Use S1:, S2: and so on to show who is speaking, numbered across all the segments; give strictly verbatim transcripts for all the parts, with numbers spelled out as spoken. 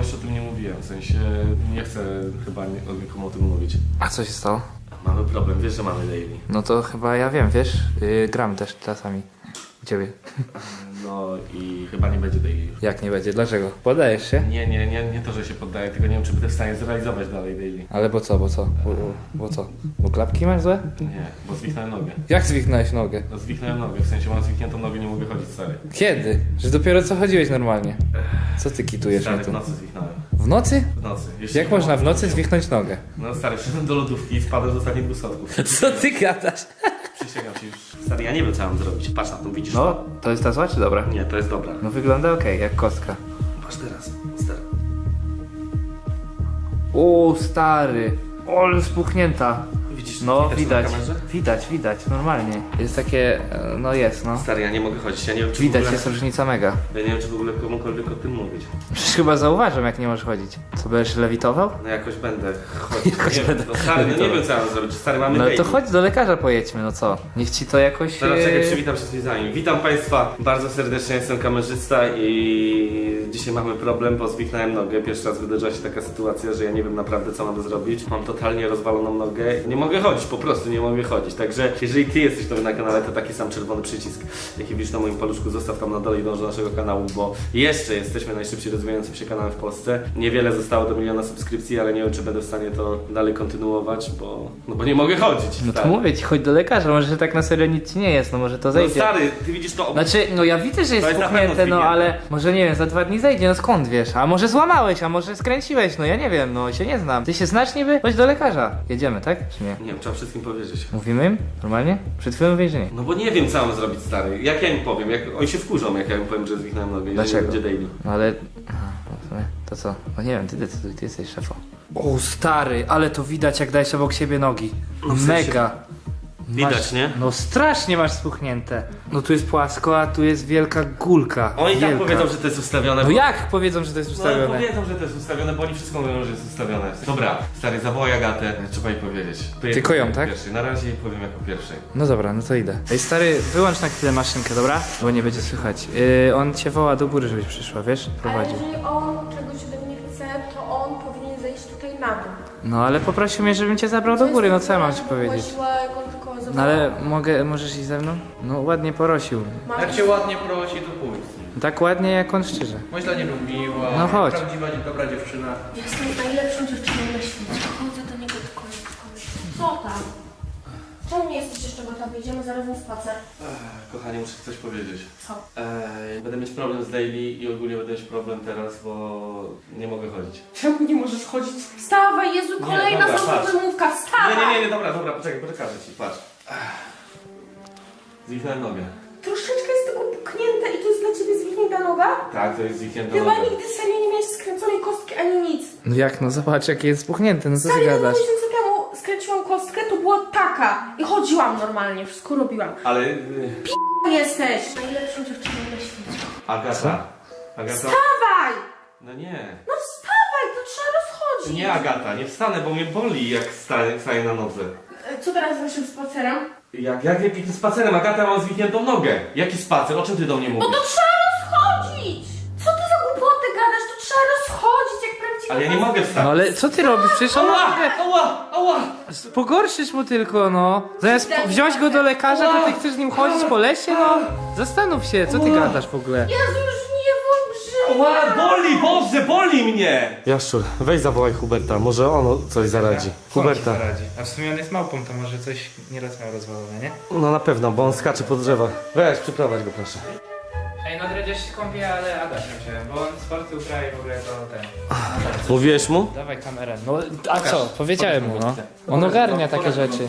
S1: jeszcze o tym nie mówiłem, w sensie nie chcę chyba nie, nikomu o tym mówić.
S2: A co się stało?
S1: Mamy problem, wiesz, że mamy daily.
S2: No to chyba ja wiem, wiesz? Yy, gram też czasami. U ciebie.
S1: No i chyba nie będzie daily.
S2: Jak nie będzie? Dlaczego? Podajesz się?
S1: Nie, nie, nie, nie to, że się poddaję, tylko nie wiem, czy będę w stanie zrealizować dalej daily.
S2: Ale bo co, bo co? Bo, bo, bo co? Bo klapki masz złe?
S1: Nie, bo zwichnąłem nogę.
S2: Jak zwichnąłeś nogę?
S1: No zwichnąłem nogę, w sensie mam zwikniętą nogę, nie mogę chodzić, stary.
S2: Kiedy? Że dopiero co chodziłeś normalnie? Co ty kitujesz
S1: Stary,
S2: na
S1: w
S2: tu?
S1: nocy zwichnąłem.
S2: W nocy?
S1: W nocy. Jeszcze
S2: Jak
S1: nie
S2: można w
S1: mogę.
S2: nocy zwichnąć nogę?
S1: No stary, wszedłem do lodówki i spadłem z ostatnich dwóch schodków.
S2: Co ty gadasz?
S1: Przysięgam ci już. Stary, ja nie wiem, co mam zrobić. Patrz na to, widzisz?
S2: No, to jest ta zła czy dobra?
S1: Nie, to jest dobra.
S2: No wygląda okej, jak kostka.
S1: Patrz teraz, stary.
S2: O, stary. Ole spuchnięta.
S1: Widzisz,
S2: No,
S1: widać
S2: widać.
S1: na kamerze?
S2: Widać, widać, normalnie. Jest takie, e, no jest, no.
S1: Stary, ja nie mogę chodzić, ja nie wiem, czy w
S2: Widać,
S1: ogóle...
S2: jest różnica mega.
S1: Ja nie wiem, czy w ogóle komukolwiek o tym mówić.
S2: Przecież chyba zauważam, jak nie możesz chodzić. Co, będziesz lewitował?
S1: No jakoś będę chodzić.
S2: Jakoś
S1: nie
S2: będę
S1: wiem, no stary, no nie
S2: lewitował.
S1: wiem, co ja mam zrobić. Stary, mamy
S2: No
S1: daily.
S2: to chodź do lekarza pojedźmy, no co? Niech ci to jakoś...
S1: Teraz czekaj,
S2: e,
S1: przywitam się z widzami. Witam Państwa bardzo serdecznie, jestem kamerzysta i dzisiaj mamy problem, bo zwichnąłem nogę. Pierwszy raz wydarzyła się taka sytuacja, że ja nie wiem naprawdę, co mam zrobić. Mam totalnie rozwaloną nogę. Nie mogę chodzić, po prostu nie mogę chodzić. Także jeżeli Ty jesteś nowy na kanale, to taki sam czerwony przycisk, jaki widzisz na moim paluszku, zostaw tam na dole i dąż do naszego kanału, bo jeszcze jesteśmy najszybciej rozwijającym się kanałem w Polsce. Niewiele zostało do miliona subskrypcji, ale nie wiem, czy będę w stanie to dalej kontynuować, bo, no bo nie mogę chodzić.
S2: No to
S1: tak.
S2: mówię ci, chodź do lekarza, może tak na serio nic ci nie jest, no może to
S1: No
S2: zejdzie.
S1: stary, Ty widzisz to...
S2: Znaczy, no ja widzę, że jest
S1: To jest na
S2: spuchnięte,
S1: pewno
S2: no
S1: zwinięte.
S2: ale może nie wiem, za dwa dni zejdzie, no skąd wiesz? A może złamałeś, a może skręciłeś, no ja nie wiem, no się nie znam. Ty się znasz niby? Chodź do lekarza. Jedziemy, tak? Czy nie?
S1: Nie wiem, trzeba wszystkim powiedzieć.
S2: Mówimy im? Normalnie? Przed chwilą mówię, że nie.
S1: No bo nie wiem, co mam zrobić, stary. Jak ja im powiem? Jak oni się wkurzą, jak ja im powiem, że zwichnąłem nogę i że nie
S2: Dlaczego?
S1: będzie daily.
S2: No ale... Aha, no w sumie, to co? No nie wiem, ty decyduj, ty jesteś szefą. O stary, ale to widać jak dajesz obok siebie nogi.
S1: No w sensie-
S2: Mega.
S1: Widać,
S2: Masz-
S1: nie?
S2: No strasznie masz spuchnięte. No tu jest płasko, a tu jest wielka gulka.
S1: Oni tak
S2: Wielka.
S1: powiedzą, że to jest ustawione.
S2: No
S1: bo...
S2: jak powiedzą, że to jest
S1: No
S2: ustawione?
S1: powiedzą, że to jest ustawione, bo oni wszystko mówią, że jest ustawione. Dobra, stary, zawołaj Agatę. Trzeba jej powiedzieć. To jej
S2: Tylko
S1: powiem
S2: ją, tak?
S1: Pierwszej. Na razie jej powiem jako pierwszej.
S2: No dobra, no to idę. Ej stary, wyłącz na chwilę maszynkę, dobra? Bo nie będzie słychać. Yy, on cię woła do góry, żebyś przyszła, wiesz?
S3: Ale
S2: Prowadził.
S3: jeżeli on czegoś ode mnie chce, to on powinien zejść tutaj na dół.
S2: No ale poprosił mnie, żebym cię zabrał do góry, no co ja mam ci powiedzieć?
S3: Głosiła, jak on tylko
S2: No ale mogę, możesz iść ze mną? No ładnie prosił.
S4: Jak się ładnie prosi, to pójdź.
S2: Tak ładnie jak on szczerze.
S4: Myślę, nie lubiła.
S2: No chodź.
S4: Prawdziwa, dobra dziewczyna.
S3: Jestem najlepszą dziewczyną na świecie. Chodzę do niego do końca. Co tam? Czemu nie jesteś jeszcze gotowy? Idziemy zaraz na spacer.
S1: Ech, kochanie, muszę coś powiedzieć.
S3: Co?
S1: Ej, będę mieć problem z daily i ogólnie będę mieć problem teraz, bo nie mogę chodzić.
S3: Czemu nie możesz chodzić? Wstawaj, Jezu,
S1: Nie,
S3: kolejna
S1: dobra,
S3: znowu
S1: patrz.
S3: wymówka,
S1: Nie,
S3: wstawaj!
S1: nie, nie, nie, dobra, dobra, poczekaj, poczekaj ci, patrz. Ech. Zwichnąłem nogę.
S3: Troszeczkę jest tylko puknięte i to jest dla ciebie zwinięta noga?
S1: Tak, to jest zwiknięta
S3: Chyba
S1: noga.
S3: nigdy serio nie miałeś skręconej kostki ani nic.
S2: No jak, no zobacz jakie jest spuchnięte, no co ty
S3: Stary, dwa
S2: gadasz?
S3: miesiące temu skręciłam kostkę, to była taka. I chodziłam normalnie, wszystko robiłam.
S1: Ale... y,
S3: Jesteś najlepszą dziewczyną na świecie.
S1: Agata. Agata.
S3: Wstawaj!
S1: No nie.
S3: No wstawaj, to trzeba rozchodzić.
S1: Nie Agata, nie wstanę, bo mnie boli jak staję, staję na nodze.
S3: E, Co teraz z naszym spacerem?
S1: Jak, jak, jakim spacerem? Agata, mam zwikniętą nogę. Jaki spacer? O czym ty do mnie
S3: No
S1: mówisz?
S3: to trzeba rozchodzić! Co ty za głupoty gadasz? To trzeba rozchodzić jak prawdziwy
S1: Ale ja nie mogę
S2: No
S1: wstać.
S2: ale co ty robisz? Przecież on
S1: Ała!
S2: mogę...
S1: Ała! Ała!
S2: Pogorszysz mu tylko, no. Zamiast po- wziąć go do lekarza, to ty chcesz z nim chodzić po lesie, no. Zastanów się, co ty gadasz w ogóle.
S3: Jezu, już nie wąbrzy!
S1: Ała! Boli! Boże, boli mnie! Jaszczur, weź zawołaj Huberta, może on coś zaradzi. Huberta.
S2: A w sumie on jest małpą, to może coś nieraz miał rozwalone, nie?
S1: No na pewno, bo on skacze po drzewach. Weź, przyprowadź go proszę.
S2: Ej, no dredziarz się kąpie, ale Adaś nie wziąłem, bo on sporty uprawia w ogóle to ten.
S1: Mówiłeś mu?
S2: Dawaj kamerę. No, a co? Powiedziałem mu, no. On ogarnia takie rzeczy.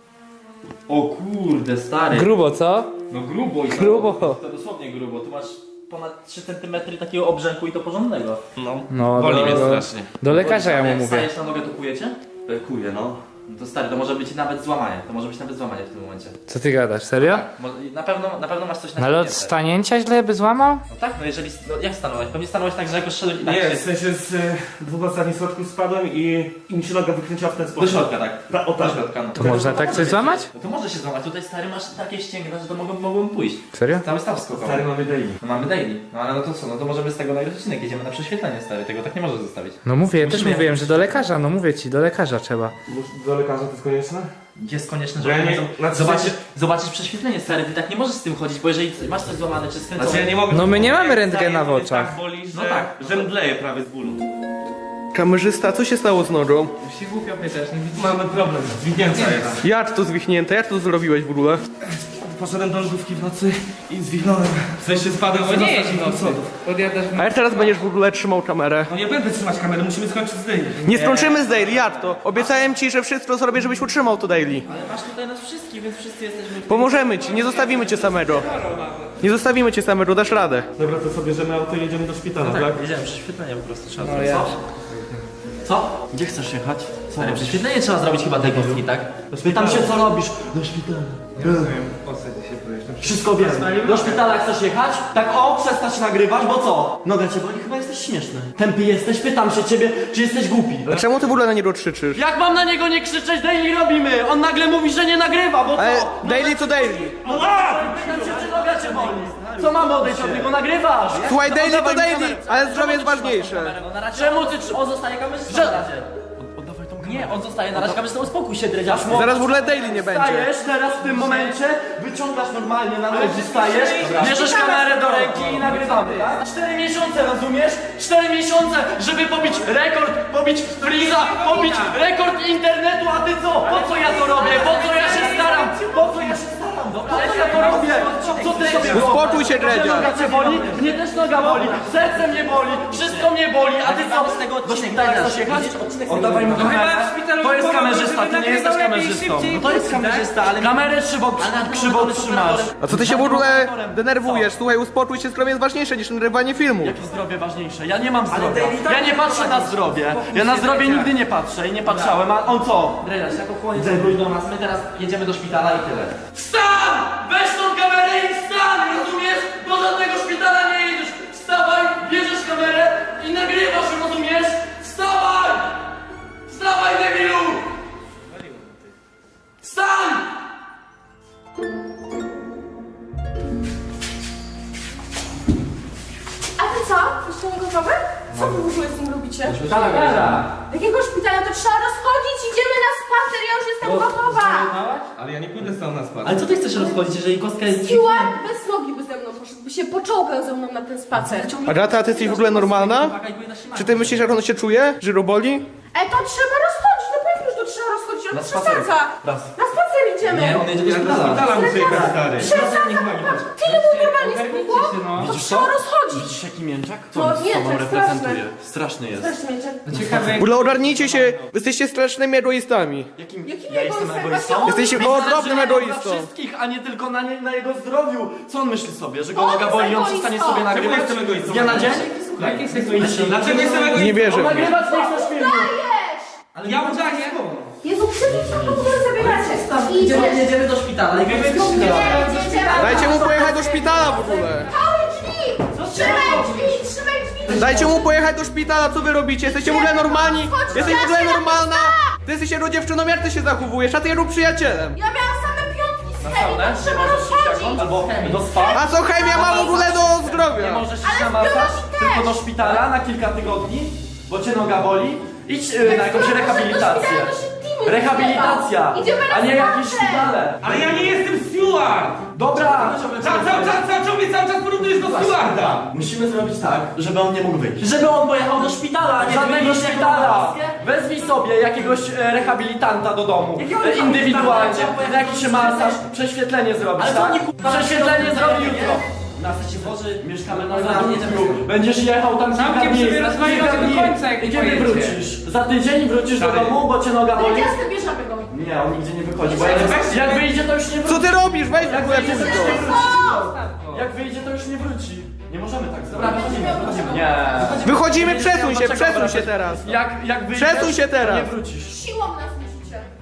S5: O kurde, stary.
S2: Grubo, co?
S5: No grubo i
S2: Grubo.
S5: To, to dosłownie grubo. Tu masz ponad trzy centymetry takiego obrzęku i to porządnego.
S1: No.
S2: No,
S1: Boli
S2: do,
S1: mnie
S2: do,
S1: strasznie.
S2: do lekarza ja
S5: Ale
S2: mu
S5: jak
S2: mówię.
S5: stajesz na nogę, to kujecie?
S1: Kuję, no.
S5: No to stary, to może być nawet złamanie. To może być nawet złamanie w tym momencie.
S2: Co ty gadasz, serio?
S5: Mo- Na pewno, na pewno masz coś na
S2: No ale od
S5: kierunku.
S2: stanięcia źle by złamał?
S5: No tak, no jeżeli... No jak stanąłeś? Pewnie stanąłeś tak, że jakoś szedłeś i tak
S1: Nie,
S5: się-
S1: w sensie z y, dwóch ostatnich schodków spadłem i, i mi się noga wykręciła w ten
S5: Do
S1: sposób.
S5: środka, tak.
S1: Ta, o
S5: Do
S1: tak.
S5: środka, no.
S2: To można tak coś złamać?
S5: No to może się złamać. Tutaj stary masz takie ścięgna, że to mogą, mogą pójść.
S2: Serio?
S5: Cały staw skokowy.
S1: Stary, mamy daily.
S5: No mamy daily. No ale no to co? No to możemy z tego nagrać odcinek. Jedziemy na prześwietlenie, stary. Tego tak nie możesz zostawić.
S2: No mówię, ja też
S5: Musimy-
S2: mówiłem, że do lekarza, no mówię ci, do lekarza trzeba.
S1: Do lekarza to jest konieczne?
S5: Jest konieczne,
S1: Bo ja
S5: żeby
S1: nie-
S5: zob-
S1: znaczy-
S5: zobaczyć, zobaczyć prześwietlenie, stary. Ty tak nie możesz z tym chodzić, bo jeżeli masz coś złamane czy skręcone...
S1: Znaczy ja nie mogę...
S2: No my nie mamy
S1: Jak
S2: rentgena
S1: wstaję,
S2: w
S1: to mnie
S2: oczach.
S1: Tak boli, że,
S5: No tak.
S1: że mdleję prawie z bólu.
S6: Kamerzysta, co się stało z nogą?
S2: Się głupio pytasz, nie widzisz?
S1: Mamy problem, zwinięta jest.
S6: Jak to zwichnięte? Jak to zrobiłeś w ogóle?
S1: Poszedłem do lodówki w nocy i zwichnąłem. W sensie spadłem z ostatnich schodów.
S2: Podjadasz
S6: A jak teraz będziesz w ogóle trzymał kamerę?
S1: No nie będę trzymać kamery, musimy skończyć z daily.
S6: Nie skończymy z daily, jak to? Obiecałem ci, że wszystko zrobię, żebyś utrzymał to daily.
S5: Ale masz tutaj nas wszystkich, więc wszyscy jesteśmy...
S6: Pomożemy ci, nie zostawimy cię samego. Nie zostawimy cię samego, dasz radę.
S1: Dobra, to sobie bierzemy auto i jedziemy do szpitala, tak?
S5: Tak, wiedziałem, prześwietlenie po prostu trzeba
S2: No
S5: zrobić.
S2: ja.
S5: Co? Gdzie chcesz jechać? Stary, prześwietlenie trzeba zrobić chyba tej kostki, tak? Pytam się, co robisz? Do szpitala. Wszystko wiem. Do szpitala chcesz jechać? Tak o, przestać nagrywać, bo co? Noga cię boli? Chyba jesteś śmieszny. Tępy jesteś? Pytam się ciebie, czy jesteś głupi.
S6: A czemu ty w ogóle na niego krzyczysz?
S4: Jak mam na niego nie krzyczeć, daily robimy! On nagle mówi, że nie nagrywa, bo co?
S6: Ale daily to daily.
S4: Pytam się, czy noga cię boli. Co mamy odejść od tego? Nagrywasz!
S6: Słuchaj, daily to
S4: Oddawaj mi
S6: daily,
S4: kamerę.
S6: ale zdrowie jest ważniejsze.
S5: Czemu ty... On zostaje kamerzystą na razie. Nie, on zostaje na razie kamerzystą, uspokój się, dredziarzu.
S6: Zaraz w ogóle daily nie będzie.
S4: Wstajesz teraz w tym momencie, wyciągasz normalnie na nogi, wstajesz, bierzesz kamerę do ręki i nagrywamy, tak? Cztery miesiące, rozumiesz? Cztery miesiące, żeby pobić rekord, pobić Freeza, pobić rekord internetu, a ty co? Po co ja to robię? Po co ja się staram? Po co ja się staram? Po co ja to robię? Co ty sobie
S6: Uspokój się,
S4: wyobrażasz?
S6: Dredzia.
S4: Że noga cię boli? Mnie też noga boli, serce mnie boli, wszystko mnie boli, a ty co?
S5: z tego odcinek,
S4: Tak,
S5: Dredziarz.
S4: chcesz jechać?
S5: Odcinek z
S4: Oddawaj
S5: tego
S4: mu kamerę. To jest kamerzysta, ty nie jesteś kamerzystą.
S5: No to jest kamerzysta, ale...
S4: Kamerę krzywo, krzywo trzymasz.
S6: A co ty się w ogóle denerwujesz? Słuchaj, uspokój się, zdrowie jest ważniejsze niż nagrywanie filmu.
S4: Jakie zdrowie ważniejsze? Ja nie mam zdrowia. Ja nie patrzę na zdrowie. Ja na zdrowie nigdy nie patrzę i nie patrzałem, a on co?
S5: Dredziarz, jako chłoniec wróć do nas, my teraz jedziemy do szpitala i tyle.
S4: Wstań! Weź tą kamerę i wstań! Rozumiesz? Do żadnego szpitala nie jedziesz. Wstawaj, bierzesz kamerę i nagrywasz, rozumiesz? Wstawaj! Wstawaj, debilu! Wstań!
S3: A ty co? Jeszcze nie gotowy? Co wy w ogóle z nim robicie?
S5: Szpitala,
S3: Jakiego szpitala? To trzeba rozchodzić, idziemy na spacer, ja już jestem gotowa!
S1: Ale ja nie pójdę z tobą na spacer.
S5: Ale co ty chcesz rozchodzić, jeżeli kostka jest...
S3: Steward bez nogi by ze mną poszedł, by się poczołgał ze mną na ten spacer.
S6: Agata, ty jesteś w ogóle normalna? Czy ty myślisz, jak ono się czuje? Że go boli?
S3: E, to trzeba rozchodzić, no pewnie, że to trzeba rozchodzić, on przesadza. Na spacer idziemy.
S5: Nie, on jedzie do
S1: Ja do
S5: szpitala.
S1: szpitala muszę jechać, stary.
S3: Przesadza, patrz, tyle mu normalnie spukło, to trzeba rozchodzić.
S4: Widzisz jaki mięczak?
S3: No,
S4: Co on z tobą
S3: mięczak,
S4: reprezentuje? Straszny jest.
S3: Strasznie mnie
S6: W ogóle ogarnijcie się, wy jesteście strasznymi egoistami.
S4: Jakim
S3: Jakim
S4: ja jestem
S3: egoistą?
S4: egoistą?
S3: Właśnie on
S6: Jesteście
S3: jest
S6: okropnym
S4: Na
S6: egoistą.
S4: wszystkich, a nie tylko na, nie, na jego zdrowiu. Co on myśli sobie? Że go
S3: On
S4: noga
S3: jest
S4: boli, on
S3: egoistą.
S4: przestanie sobie nagrywać?
S1: jestem egoistą?
S4: Z dnia na dzień?
S2: Jak jest egoistą?
S1: Dlaczego jestem egoistą?
S6: Nie wierzę w mnie.
S4: Nagrywać nie chcesz filmu.
S3: Dajesz!
S1: Ja udaję.
S3: Jezu, przyjdź, co w ogóle zabieracie?
S5: Jedziemy,
S3: Idziemy.
S5: jedziemy do szpitala, jedziemy do szpitala.
S6: Dajcie mu pojechać do szpitala w ogóle.
S3: Cały drzwi! Trzymaj drzwi, trzymaj drzwi!
S6: Dajcie mu pojechać do szpitala, co wy robicie? Jesteście w ogóle normalni? Jesteś w ogóle normalna? Ty jesteś jego dziewczyną, jak ty się zachowujesz, a ty jego przyjacielem.
S3: Ja miałam same piątki z chemii, to trzeba rozchodzić!
S4: Albo do spa.
S6: A co chemia ma w ogóle do
S4: Nie
S6: zdrowia?
S4: możesz iść
S3: Ale
S4: na masaż,
S3: biologii też.
S4: tylko do szpitala na kilka tygodni, bo cię noga boli. Idź y, na jakąś
S3: Jak
S4: rehabilitację.
S3: to się teamy
S4: Rehabilitacja,
S3: trzeba. Idziemy na
S4: a nie jakieś
S3: spacer.
S4: szpitale.
S1: Ale ja nie jestem steward!
S4: Dobra,
S1: Cały, cały czas, cały czas mnie cały czas porównujesz do stewarda!
S4: musimy zrobić tak, żeby on nie mógł wyjść. Żeby on pojechał do szpitala, nie żadnego szpitala. Wezwij sobie jakiegoś e, rehabilitanta do domu. E, indywidualnie. Na jakiś masaż, prześwietlenie zrobić,
S5: Ale to
S4: tak?
S5: nie kurwa,
S4: Prześwietlenie
S5: nie?
S4: zrobi jutro.
S5: Na secie Boży,
S4: Mieszkamy na
S5: Dobra,
S4: Zadupiu.
S5: jedziemy.
S4: Będziesz jechał tam kilka
S2: Zamkiem
S4: dni.
S2: sobie
S4: za
S2: rozwaliła
S4: kilka
S2: tego
S4: dni.
S2: końca, jak
S4: I kiedy
S2: pojedzie.
S4: wrócisz? Za tydzień wrócisz do
S1: Stary.
S4: domu, bo cię noga boli?
S3: Jasne, bierzemy go.
S4: Nie, on nigdzie nie wychodzi, bo jak, jak wyjdzie to już nie wróci.
S6: Co ty robisz? Weź w
S4: Jak
S6: ogóle
S4: wyjdzie to
S6: puść
S4: już
S6: go.
S4: nie wróci. Jak wyjdzie to już nie wróci. Nie możemy tak zrobić.
S5: Dobra, wychodzimy, wychodzimy.
S4: Nie.
S6: Wychodzimy, przesuń się, przesuń się teraz.
S4: Jak, jak wyjdziesz,
S6: Przesuń się teraz.
S4: to nie wrócisz.
S3: Siłą nas musicie.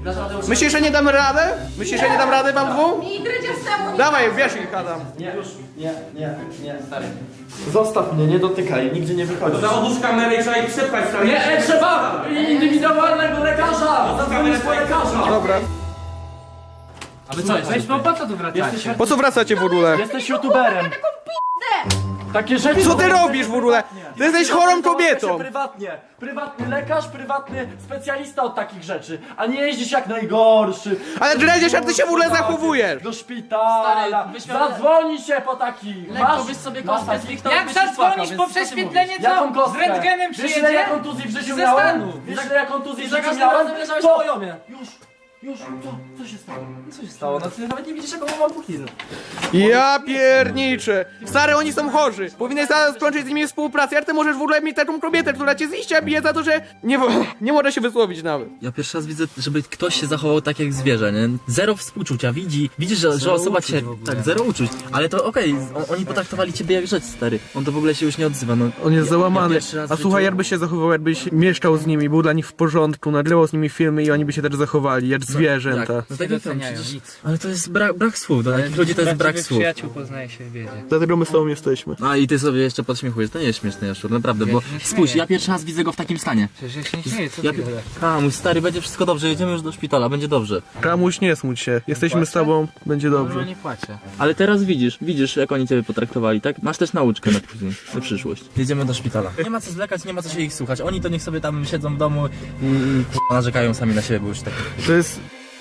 S6: Myślisz, że nie damy radę? Myślisz, że nie dam rady wam dwóm?
S3: I dredziastemu nie...
S6: Dawaj, bierz ich, Adam.
S5: Nie, już, nie, nie, nie, stary. Zostaw mnie, nie dotykaj, nigdzie nie wychodź.
S1: Załóż kamerę i trzeba ich przepchać stary.
S4: Nie, e, trzeba indywidualnego lekarza! Zadzwonić po lekarza!
S6: Dobra.
S4: A wy co
S2: Weź,
S4: jesteś?
S2: bo po co tu wracacie?
S5: Jesteś,
S6: Po co wracacie w ogóle?
S5: jesteś youtuberem. Takie rzeczy...
S6: Co ty robisz w ogóle? Ty jesteś chorą kobietą.
S5: Prywatnie, prywatny lekarz, prywatny specjalista od takich rzeczy, a nie jeździsz jak najgorszy.
S6: Ale dredziesz, jak ty się w ogóle zachowujesz?
S5: Do szpitala,
S4: Stary, byś miał-
S5: zadzwoni się po takich.
S4: Lekko byś sobie
S5: masz
S4: kostkę
S5: takich-
S4: zliknął,
S2: Jak
S4: byś się
S2: zadzwonisz
S4: spłakał,
S2: po
S4: więc co ty
S2: prześwietlenie,
S4: mówisz?
S2: co?
S5: Jaką kostkę?
S2: Z rentgenem
S5: Wiesz ile
S2: przyjedzie?
S5: ja kontuzji w życiu
S2: Ze
S5: miałem?
S2: stanu.
S5: Wiesz ile ja kontuzji w
S4: Za
S5: życiu
S4: każdym
S5: miałem?
S4: razem leżałeś
S5: Co?
S4: na poziomie.
S5: Już, już, co? Co się stało?
S4: Co się stało? No ty nawet nie widzisz jaką mam puchlizn.
S6: Ja pierniczę. Stary, oni są chorzy. Powinieneś zaraz skończyć z nimi współpracę. Jak ty możesz w ogóle mieć taką kobietę, która cię z liścia bije za to, że nie, wo- nie może się wysłowić nawet.
S7: Ja pierwszy raz widzę, żeby ktoś się zachował tak jak zwierzę, nie? Zero współczucia, widzi, widzisz, że, że osoba cię... Tak, zero uczuć. Ale to okej, on- oni potraktowali ciebie jak rzecz, stary. On to w ogóle się już nie odzywa, no.
S6: On jest
S7: Ja- ja
S6: załamany.
S7: pierwszy raz
S6: A
S7: w
S6: słuchaj,
S7: życiu-
S6: jakby się zachował, jakbyś mieszkał z nimi, był dla nich w porządku, nagrywał z nimi filmy i oni by się też zachowali, jak zwierzęta.
S7: Jak? No tak jak tam,
S2: doceniają,
S7: przecież...
S2: nic.
S7: Ale to jest brak, brak słów, dla takich ludzi to jest brak słów.
S2: Przyjaciół poznaje się w biedzie.
S6: Dlatego my z tobą jesteśmy.
S7: A i ty sobie jeszcze podśmiechujesz, to nie jest śmieszne, Jaszczur, naprawdę, bo
S2: się nie
S7: spójrz,
S2: śmieję.
S7: ja pierwszy raz widzę go w takim stanie.
S2: Przecież ja się nie śmieję, co
S7: Ja...
S2: ty gadasz?
S7: A, mój stary, będzie wszystko dobrze, jedziemy już do szpitala, będzie dobrze.
S6: Kamuś, nie smuć się. Jesteśmy z tobą, będzie
S2: Może
S6: dobrze.
S2: nie płaczę.
S7: Ale teraz widzisz, widzisz jak oni ciebie potraktowali, tak? Masz też nauczkę na później, na przyszłość. Jedziemy do szpitala. Nie ma co zwlekać, nie ma co się ich słuchać. Oni to niech sobie tam siedzą w domu i, i k***a, narzekają sami na siebie, bo już tak...
S6: To jest...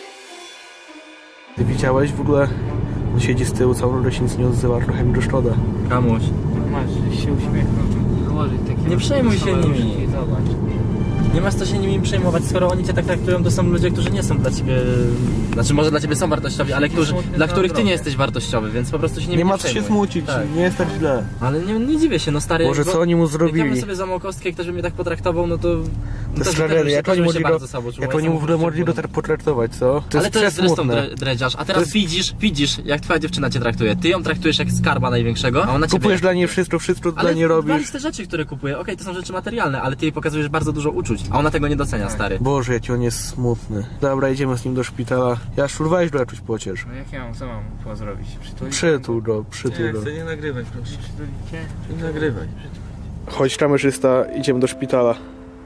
S6: Ty widziałeś w ogóle? On siedzi z tyłu, całą noc się nic nie odzywa, trochę mi to szkoda.
S7: Kamuś.
S2: Masz, żeś się uśmiechnął. Położyć takie...
S7: Nie przejmuj się
S2: wesołe
S7: nimi.
S2: różki, Zobacz.
S7: Nie masz co się nimi przejmować, skoro oni cię tak traktują, to są ludzie, którzy nie są dla ciebie... Znaczy może dla ciebie są wartościowi, ale którzy, dla których ty nie jesteś wartościowy, więc po prostu się nimi
S6: Nie ma co
S7: przejmuj.
S6: się smucić,
S7: Tak.
S6: nie jest tak źle.
S7: Ale nie, nie dziwię się, no stary...
S6: Boże,
S7: bo-
S6: co oni mu
S7: Jak ja bym
S6: zrobili?
S7: sobie złamał kostkę i ktoś by mnie tak potraktował, no to...
S6: To
S7: też-
S6: jest
S7: też
S6: tragedia,
S7: bym się-
S6: jak
S7: też
S6: oni
S7: bym się
S6: mogli go,
S7: bardzo słabo czuł,
S6: jak
S7: ja
S6: oni
S7: jestem
S6: w ogóle
S7: po prostu
S6: mogli go tak potraktować, co? To
S7: Ale
S6: jest
S7: to jest zresztą
S6: przesmutne.
S7: dre- dredziarz, a teraz
S6: jest-
S7: widzisz, widzisz, jak twoja dziewczyna cię traktuje. Ty ją traktujesz jak skarba największego, a ona ciebie...
S6: Kupujesz dla niej wszystko, wszystko dla
S7: Ale
S6: niej robisz.
S7: walisz te rzeczy, które kupuje. Okej, to są rzeczy materialne, ale ty jej pokazujesz bardzo dużo uczuć, a ona tego nie docenia, stary.
S6: Boże, jaki on jest smutny. Dobra, idziemy z nim do szpitala. Ja szurwałeś go jakoś pociesz.
S2: No jak ja mam, co mam było zrobić? Przytulić?
S6: Przytul go, przytul go.
S1: nie nagrywaj proszę.
S2: Przytulicie?
S1: Nie nagrywaj.
S6: Chodź kamerzysta, idziemy do szpitala.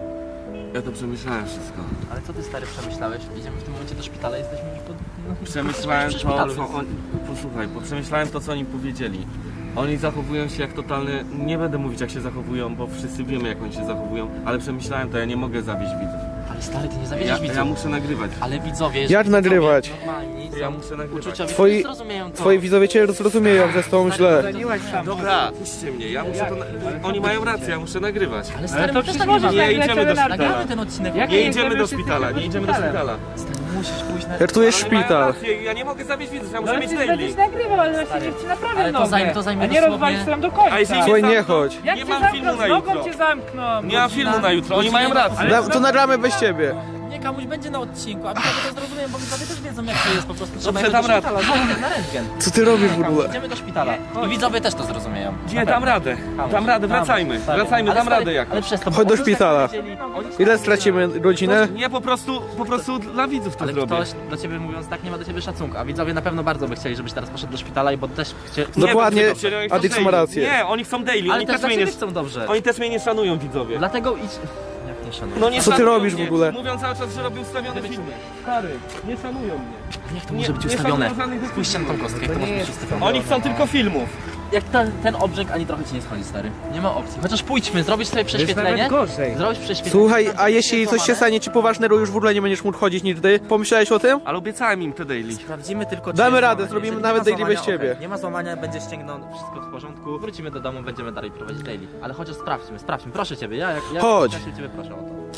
S1: Ja to przemyślałem wszystko.
S7: Ale co ty, stary, przemyślałeś? Idziemy w tym momencie do szpitala, jesteśmy już pod... No,
S1: Przemyślałem
S7: przy
S1: to,
S7: szpitalu,
S1: co
S7: więc-
S1: oni... Posłuchaj, bo przemyślałem to, co oni powiedzieli. Oni zachowują się jak totalny... Nie będę mówić, jak się zachowują, bo wszyscy wiemy, jak oni się zachowują, ale przemyślałem to, ja nie mogę zawieść widzów.
S7: Ale stary, ty nie
S1: Ja,
S7: zawiedziesz widzów.
S1: ja muszę nagrywać.
S7: Ale widzowie...
S6: Jak
S7: widzowie
S6: nagrywać?
S7: Normalni,
S1: Ja
S7: są
S1: muszę nagrywać.
S7: uczuciowi,
S6: Twoi-
S7: którzy zrozumieją to.
S6: Twoi widzowie cię zrozumieją, że z tą źle.
S1: Dobra, puśćcie mnie, ja muszę to... Na... Oni mają rację, ja muszę nagrywać.
S7: Ale stary,
S2: Ale to
S7: my też
S2: przecież
S7: nagrywamy.
S1: Nie, idziemy do szpitala.
S7: Nagramy ten odcinek.
S2: Jak
S1: Nie
S2: nie
S1: idziemy
S2: idziemy
S1: do
S2: wszyscy
S1: szpitala,
S2: do
S1: nie idziemy do
S2: szpitala.
S1: szpitala.
S7: Stary, musisz pójść na...
S6: Jak tu jest
S1: Oni mają
S6: szpital.
S1: rację, Ja nie mogę zawieść widzów, ja
S8: No
S1: muszę
S8: ale
S1: mieć
S8: ty
S1: daily.
S8: będziesz nagrywał, ale właśnie niech ci naprawię
S7: Ale to
S8: nogę,
S7: zajmie- to zajmie
S8: a nie
S7: dosłownie-
S8: rozwalisz tam do
S1: A
S8: końca.
S1: jeśli
S6: Słuchaj, nie
S1: zamkną-
S6: chodź.
S8: Jak
S1: nie
S8: cię
S1: mam
S8: zamkną,
S1: filmu na
S8: z nogą
S1: jutro.
S8: cię zamkną.
S1: Nie ma filmu na jutro, oni mają rację.
S6: Da, to nagramy bez ciebie.
S7: Nie, komuś będzie na odcinku, a widzowie to zrozumieją, bo widzowie też wiedzą, jak to jest po prostu. Trzeba
S1: Dobrze,
S7: jechać do
S1: dam
S7: szpitala, znowu na rentgen.
S6: Co ty robisz w ogóle?
S7: Idziemy do szpitala. I widzowie też to zrozumieją.
S1: Nie, dam radę. Dam radę, wracajmy. Wracajmy,
S7: Ale
S1: dam
S7: stary,
S1: radę jak.
S7: Ale przez to...
S6: Chodź do
S7: oni tak
S6: szpitala.
S7: powiedzieli, oni-
S6: Ile stracimy godzinę?
S1: Nie, po prostu, po prostu dla widzów to
S7: Ale
S1: zrobię.
S7: ktoś do ciebie mówiąc tak nie ma do ciebie szacunku, a widzowie na pewno bardzo by chcieli, żebyś teraz poszedł do szpitala i bo też chcie...
S1: Nie,
S6: Dokładnie,
S1: bo chcą- oni chcą
S6: Adix ma
S1: daily.
S6: rację.
S1: Nie, oni chcą daily,
S7: Ale
S1: oni
S7: też
S1: też
S7: dla
S1: mnie
S7: ciebie
S1: nie...
S7: chcą dobrze.
S1: Oni też mnie nie szanują widzowie.
S7: Dlatego idź... Jak nie szanują?
S1: No nie
S6: Co ty
S1: szanują
S6: robisz w
S1: mnie.
S6: ogóle?
S1: Mówią cały czas, że robią ustawione filmy. Stary, nie szanują mnie.
S7: Jak to
S1: Nie-
S7: może być
S1: nie
S7: ustawione?
S1: szanują żadnych
S7: Spójrzcie na tą kostkę, jak to może być ustawione.
S1: Oni chcą tylko filmów.
S7: Jak ten, ten obrzęk ani trochę ci nie schodzi, stary. Nie ma opcji. Chociaż pójdźmy, zrobić sobie
S2: Jest
S7: prześwietlenie.
S2: nawet gorzej.
S7: Zrobić prześwietlenie.
S6: Słuchaj, a jeśli coś się stanie ci poważnego, już w ogóle nie będziesz mógł chodzić nigdy? Pomyślałeś o tym?
S1: Ale obiecałem im te daily.
S7: Sprawdzimy tylko, czy
S6: Damy
S7: jest
S6: radę,
S7: złamanie.
S6: zrobimy
S7: Jeżeli
S6: nawet
S7: nie ma
S6: daily bez
S7: złamania,
S6: ciebie.
S7: okej. Nie ma złamania, będzie ścięgną, wszystko w porządku. Wrócimy do domu, będziemy dalej prowadzić daily. Ale chociaż sprawdźmy, sprawdźmy. Proszę ciebie, ja jak ja
S6: Chodź.
S7: ja się ciebie proszę o to.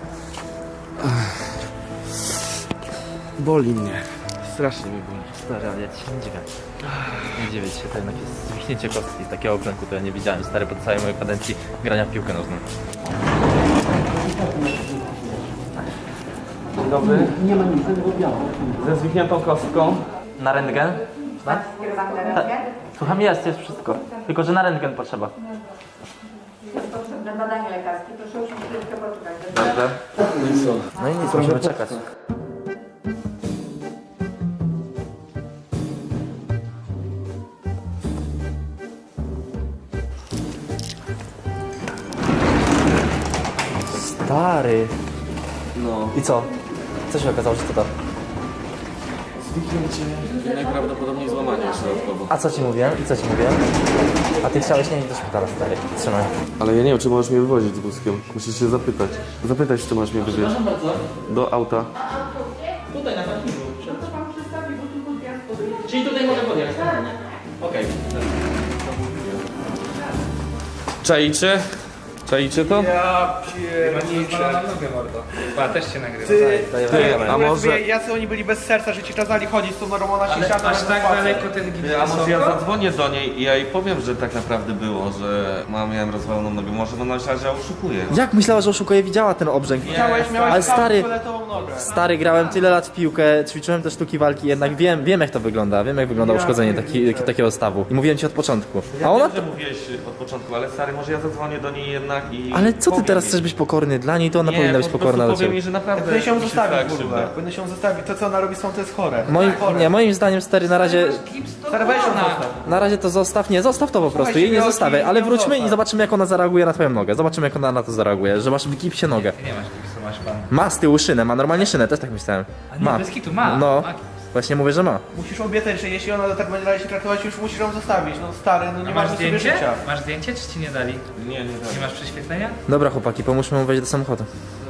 S1: Boli mnie. Strasznie mnie boli.
S7: Stary, ale ja ci się nie dziwię. Nie dziwię ci się, to jednak jest zwichnięcie kostki. Takiego obręku to ja nie widziałem, stary, po całej mojej kadencji grania w piłkę nożną.
S1: Dzień dobry. Nie ma nic, ze zwichniętą kostką.
S7: Na rentgen? Tak? Słucham, jest, jest wszystko. Tylko, że na rentgen potrzeba.
S9: Jest potrzebne badanie lekarskie. Proszę usiąść chwilkę poczekać.
S1: Dobrze.
S7: No i nic, musimy czekać. Stary.
S1: No.
S7: I co? Co się okazało, że to to?
S1: Zwichnięcie i najprawdopodobniej złamanie środkowo.
S7: A co ci mówiłem? I co ci mówiłem? A ty chciałeś nie iść do szpitala, stary. Trzymaj.
S1: Ale ja nie wiem, czy możesz mnie wywozić z wózkiem. Musisz się zapytać. Zapytać, czy masz mnie wywieźć. Do auta.
S4: Tutaj na parkingu. Czyli tutaj mogę podjechać. Okej.
S1: Czajcie? Czajcie to?
S6: Ja pierniczę.
S2: Chyba też się nagrywa.
S6: Ty,
S1: Ty, a może...
S6: sobie, jacy oni byli bez serca, że ci kazali chodzić z tą normą, ona się siada.
S2: Aż tak daleko ten gimnazjum.
S1: A może ja zadzwonię do niej i ja jej powiem, że tak naprawdę było, że mam, miałem rozwaloną nogę. Może ona się oszukuje.
S7: Jak myślała, że oszukuje? Widziała ten obrzęk.
S6: Miałeś, miałeś
S7: Ale stary,
S6: fioletową nogę.
S7: stary, grałem tyle lat w piłkę, ćwiczyłem te sztuki walki, jednak wiem, wiem jak to wygląda, wiem jak wygląda uszkodzenie taki, takiego stawu. I mówiłem ci od początku. A ona...
S1: Wiem, że mówiłeś od początku, ale stary, może ja zadzwonię do niej jednak i...
S7: Ale co ty
S1: powiem
S7: teraz
S1: jej.
S7: chcesz być pokorny dla niej, to ona
S1: Nie,
S7: powinna być
S1: po
S7: pokorna
S1: prostu
S7: dla
S1: powiem
S7: ciebie.
S1: jej, że naprawdę...
S6: Powinny się
S1: mi
S6: ją zostawić
S1: tak
S6: w ogóle.
S1: krzywda.
S6: Powinny się ją zostawić. To co ona robi z tą, to jest chore.
S7: Moim,
S6: chore.
S7: nie, moim zdaniem stary na razie,
S6: Stary, weź ją zostaw.
S7: na razie to zostaw, nie, zostaw to po prostu, jej nie
S6: wielki,
S7: zostawiaj, ale
S6: ją
S7: wróćmy
S6: zostaw.
S7: i zobaczymy jak ona zareaguje na twoją nogę, zobaczymy jak ona na to zareaguje, że masz w gipsie nogę.
S2: Nie masz gips, masz pan.
S7: Ma z tyłu szynę, ma normalnie szynę, też tak myślałem.
S2: Nie,
S7: Ma.
S2: bez kitu, ma.
S7: No,
S2: ma gips.
S7: właśnie mówię, że ma.
S6: Musisz obiecać, że jeśli ona tak będzie dalej się traktować, już musisz ją zostawić. No stary, no nie
S2: A
S6: masz
S2: masz
S6: do sobie
S2: zdjęcie?
S6: życia.
S2: Masz zdjęcie, czy ci nie dali?
S1: Nie, nie,
S2: Nie masz prześwietlenia?
S7: Dobra chłopaki, pomóżmy mu wejść do samochodu.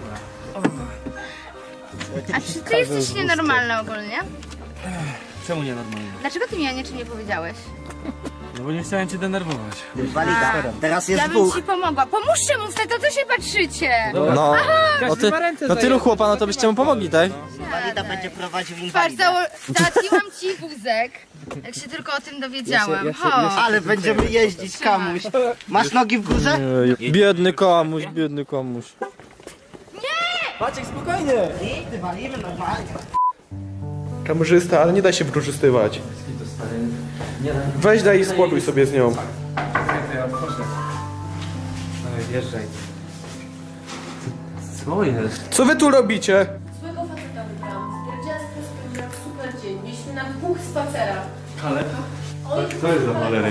S9: A czy ty jesteś nienormalny ogólnie?
S1: Czemu nie normalnie?
S9: Dlaczego ty mi o niczym nie powiedziałeś?
S1: No bo nie chciałem cię denerwować.
S10: Teraz jest
S9: Ja bym
S10: dwóch.
S9: ci pomogła. Pomóżcie mu wtedy, to co się patrzycie?
S7: No, no ty,
S2: ma ręce
S7: no tylu
S2: zajęte.
S7: chłopa, no to byście mu pomogli, tak?
S10: Walida będzie prowadził
S9: Patrz,
S10: inwalidę.
S9: zało- załatwiłam ci wózek, jak się tylko o tym dowiedziałam. Chodź.
S10: Ale będziemy jeździć, kamuś. Masz nogi w górze?
S7: Biedny komuś, biedny komuś.
S10: Maciek, spokojnie. I ty walimy normalnie.
S6: Kamerzysta, ale nie da się wykorzystywać. Weź daj i spokój sobie z nią.
S2: Ja otworzę. No wjeżdżaj.
S7: Co jest?
S6: Co wy tu robicie?
S3: Złego faceta wybrałam. Stwierdziłam, że spędziłam super dzień. Byliśmy na dwóch spacerach.
S1: Kaleka?
S3: Oj,
S1: Co jest za cholery?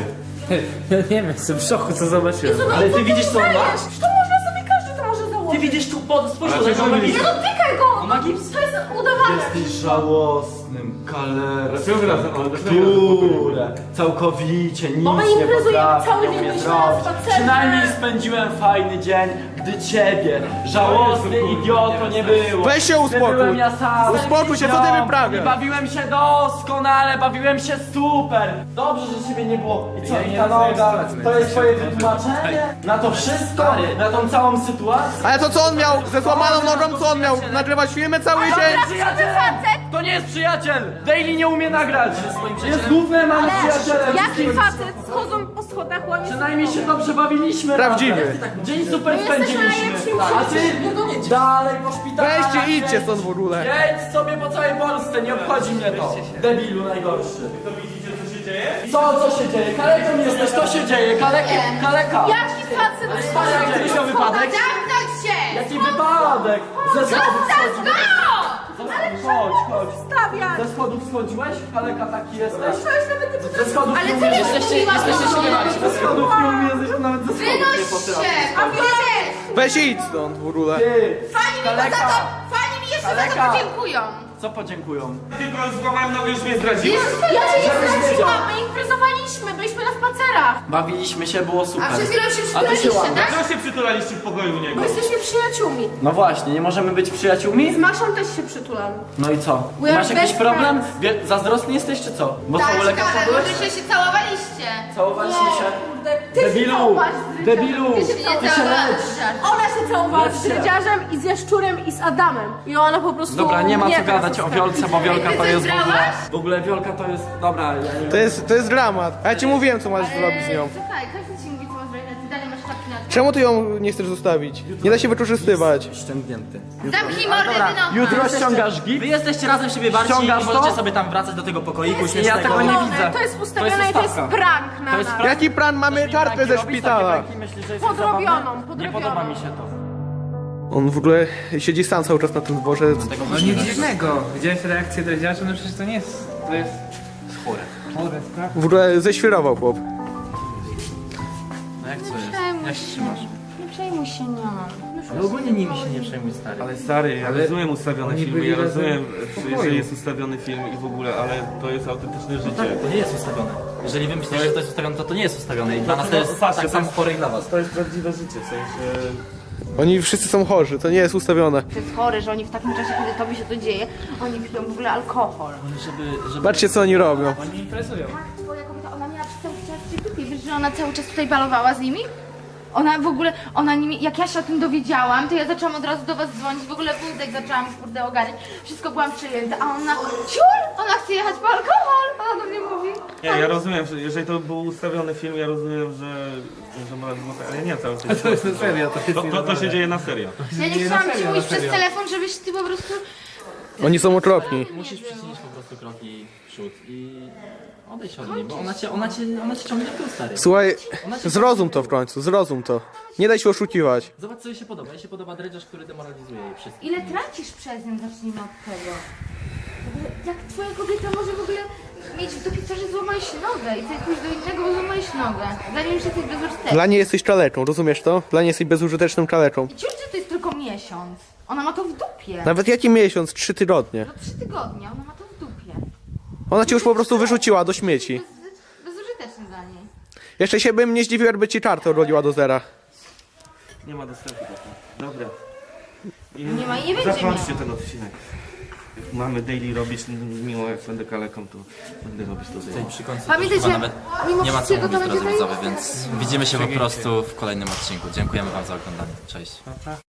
S2: Ja nie wiem, jestem w szoku, co zobaczyłem.
S4: Ale ty widzisz co on ma?
S3: To można sobie, każdy to może
S4: Ty
S3: założyć.
S4: widzisz tu pod spójrz,
S1: Ale
S4: że
S1: czego
S4: on ma
S1: widzisz?
S4: gips.
S3: Nie dotykaj go!
S4: On ma gips.
S3: To jest udawane.
S5: żałosnym kalerem.
S1: Dlaczego razem? Ale dlaczego
S5: Które całkowicie nic
S3: Bo my
S5: nie
S3: imprezujemy
S5: potrafią
S3: cały
S5: mnie
S3: dzień, byliśmy na
S5: zrobić.
S3: spacerze.
S5: Przynajmniej spędziłem fajny dzień, gdy ciebie, żałosny idioto, nie było.
S6: Weź się
S5: Gdy
S6: uspokój.
S5: byłem ja sam.
S6: Uspokój się, co ty
S5: nią
S6: wyprawiasz?
S5: I bawiłem się doskonale, bawiłem się super. Dobrze, że ciebie nie było. I co,
S2: Ja
S5: i
S2: nie
S5: ta
S2: rozumiem
S5: noga,
S2: sytuacji,
S5: to
S2: no
S5: jest twoje wytłumaczenie? Na to wszystko? Na tą całą sytuację?
S6: Ale to co on miał? Ze złamaną nogą co on miał? Nagrywać filmy cały dzień?
S5: Przyjaciel! To nie jest przyjaciel! Daily nie umie nagrać! Jest głównym, ale przyjacielem!
S3: Jaki facet? Schodzą po schodach, łamie
S5: Przynajmniej się dobrze bawiliśmy
S6: Prawdziwy.
S5: razem. Dzień super
S3: jesteśmy
S5: spędziliśmy.
S3: najlepszymi
S5: A ty dalej po szpitalach.
S6: Weźcie, idźcie
S5: jedź.
S6: stąd w ogóle.
S5: Jedź sobie po całej Polsce, nie obchodzi mnie to. Debilu najgorszy. To widzicie co się dzieje? Co, co się dzieje? Kaleką jesteś, to się dzieje. Kaleka, kaleka.
S3: Jaki facet?
S5: Stary, jak kiedyś miał wypadek?
S9: Zamknąć się!
S5: Jaki wypadek? Ze schodów schodziłeś?
S9: No!
S5: Chodź, chodź.
S3: Stawiać.
S5: Ze schodów schodziłeś? Kaleka taki jesteś?
S3: To już nawet nie
S5: Ze schodów
S9: Ale
S5: nie
S9: co
S5: umiesz.
S9: jest mówiła?
S5: Ze schodów nie umiesz, nawet ze schodów nie
S9: Wynoś
S5: potrafisz.
S9: się! A wiesz!
S6: Weź idź stąd w ogóle.
S5: Ty,
S9: Fani mi za to, fani mi jeszcze za
S5: Kaleka.
S9: to podziękują.
S5: co podziękują?
S1: Tylko złamałem nogę, już mnie zdradziłeś.
S3: Ja cię nie
S5: Żebyś
S3: zdradziłam,
S5: wiedział.
S3: my imprezowaliśmy, byliśmy na spacerach.
S5: Bawiliśmy się, było super.
S9: A przed chwilą się
S5: A ty się
S9: przytulaliście,
S5: łamiesz.
S9: tak?
S1: Co się przytulaliście w pokoju u niego?
S3: Bo jesteśmy przyjaciółmi.
S5: No właśnie, nie możemy być przyjaciółmi?
S3: Z Maszą też się przytulam.
S5: No i co?
S3: We are
S5: Masz jakiś
S3: best
S5: problem?
S3: friends.
S5: Wie, zazdrosny jesteś czy co? Bo co, u
S9: Tak,
S5: lekarza
S9: ale
S5: byłeś?
S9: może się całowaliście.
S5: Całowaliśmy się.
S3: Kurde, ty się
S5: Debilu!
S3: całowałaś z Drydziarzem.
S5: Debilu!
S9: Ty się nie
S5: Ty się
S9: całowałaś.
S5: lecz!
S3: Ona się całowała
S5: Lecz
S3: z
S5: się.
S3: Drydziarzem i z Jaszczurem i z Adamem. I ona po prostu
S5: Dobra, nie ma co
S3: teraz
S5: gadać o
S3: zostawi.
S5: Wiolce, bo Wiolka
S9: Ty
S5: to
S9: coś
S5: jest w ogóle...
S9: brałaś?
S5: W ogóle Wiolka to jest... Dobra, ja nie...
S6: To jest, to jest dramat. A ja ci mówiłem, co masz zrobić z nią.
S9: Słuchaj, każdy ci mówi, co masz zrobić, a ty dalej masz czapki na
S6: Czemu ty ją nie chcesz zostawić? Nie da się wykorzystywać.
S7: Ściągnięty.
S9: Zamknij mordę, wynocha.
S5: Jutro ściągasz git?
S7: Wy jesteście razem siebie bardziej
S5: Ściągasz
S7: i możecie
S5: to?
S7: sobie tam wracać do tego pokoiku
S5: Ja
S7: śmiesznego.
S5: tego nie widzę.
S3: To jest ustawione
S5: To jest
S3: i to jest
S5: ustawka.
S3: prank na
S5: To jest
S3: nas.
S5: prank.
S6: Jaki plan? Mamy kartę ze szpitala.
S5: Myślisz, że jest
S3: Podrobioną,
S5: zabawne? Nie
S3: podrobioną.
S5: podoba mi się to.
S6: On w ogóle siedzi sam cały czas na tym dworze.
S2: No nic dziwnego. Widziałeś reakcję dredziarza? No przecież to nie jest... To jest... Chore. Chore, sprawa.
S6: W ogóle ześwirował chłop.
S7: No jak co jest? Jak się trzymasz?
S9: Nie przejmuj się nią.
S7: Ale ogólnie nimi się nie przejmuj, stary.
S1: Ale stary, ja
S2: Ale
S1: rozumiem ustawione
S2: oni
S1: filmy,
S2: byli
S1: ja
S2: razem
S1: rozumiem,
S2: w
S1: że,
S2: pokoju.
S1: że jest ustawiony film i w ogóle, ale to jest autentyczne życie.
S7: To nie jest ustawione. Jeżeli wy myślicie, że to jest ustawione, to to nie jest ustawione i dla nas to
S1: no,
S7: jest
S1: patrzcie,
S7: tak
S1: to
S7: samo
S1: jest-
S7: chore i dla was.
S1: To jest prawdziwe życie, w sensie...
S6: Oni wszyscy są chorzy, to nie jest ustawione.
S9: To jest chory, że oni w takim czasie, kiedy tobie się to dzieje, oni piją w ogóle alkohol.
S7: Żeby, żeby...
S6: Patrzcie co oni robią.
S2: Oni imprezują.
S9: Tak, twoja kobieta, ona miała przez cały czas w dupie. Wiesz, że ona cały czas tutaj balowała z nimi? Ona w ogóle, ona nimi, jak ja się o tym dowiedziałam, to ja zaczęłam od razu do was dzwonić, w ogóle wózek zaczęłam już kurde ogarniać, wszystko byłam przejęta, a ona, ciur, ona chce jechać po alkohol, ona do mnie mówi.
S1: Nie, ja rozumiem, że jeżeli to był ustawiony film, ja rozumiem, że... że może było tak, ale nie cały czas.
S2: To jest serio, to jest
S1: To, to, to się dzieje na serio.
S9: Ja nie chciałam ci mówić przez telefon, żebyś ty po prostu...
S6: Oni są okropni.
S7: Musisz przyczynić po prostu kroki w przód i odejść od niej, bo ona cię, ona cię, ona cię ciągnie do tyłu, stary.
S6: Słuchaj, zrozum to w końcu, zrozum to. Nie daj się oszukiwać.
S7: Zobacz, co jej się podoba. Jej się podoba dredziarz, który demoralizuje jej wszystko.
S9: Ile tracisz przez nią, zacznijmy od tego. W ogóle, jak twoja kobieta może w ogóle mieć w dupie to, że złamałeś nogę i chcesz pójść do innego, bo złamałeś nogę. Zanim już jesteś bezużyteczny.
S6: Dla niej jesteś czaleczą, rozumiesz to? Dla niej jesteś bezużyteczną czaleczą.
S9: Ciur, że to jest tylko miesiąc. Ona ma to w dupie.
S6: Nawet jaki miesiąc? Trzy tygodnie.
S9: No trzy tygodnie, ona ma to w dupie.
S6: Ona ci już po prostu wyrzuciła do śmieci.
S9: Bez, bezużyteczny dla niej.
S6: Jeszcze się bym nie zdziwił, jakby ci czartę odrodziła do zera.
S1: Nie ma dostępu do tego. Dobra. I
S9: Nie ma i nie będzie
S1: zakończcie
S9: miała.
S1: ten odcinek. Jak mamy daily robić, mimo jak będę kaleką, to będę robić to daily.
S7: Przy końcu
S9: Pamiętajcie,
S7: chyba nawet
S9: mimo
S7: nie ma co
S9: wszystkiego
S7: mówić,
S9: to będzie
S7: drodzy widzowie,
S9: zajebiste.
S7: więc widzimy się po prostu w kolejnym odcinku. Dziękujemy wam za oglądanie. Cześć.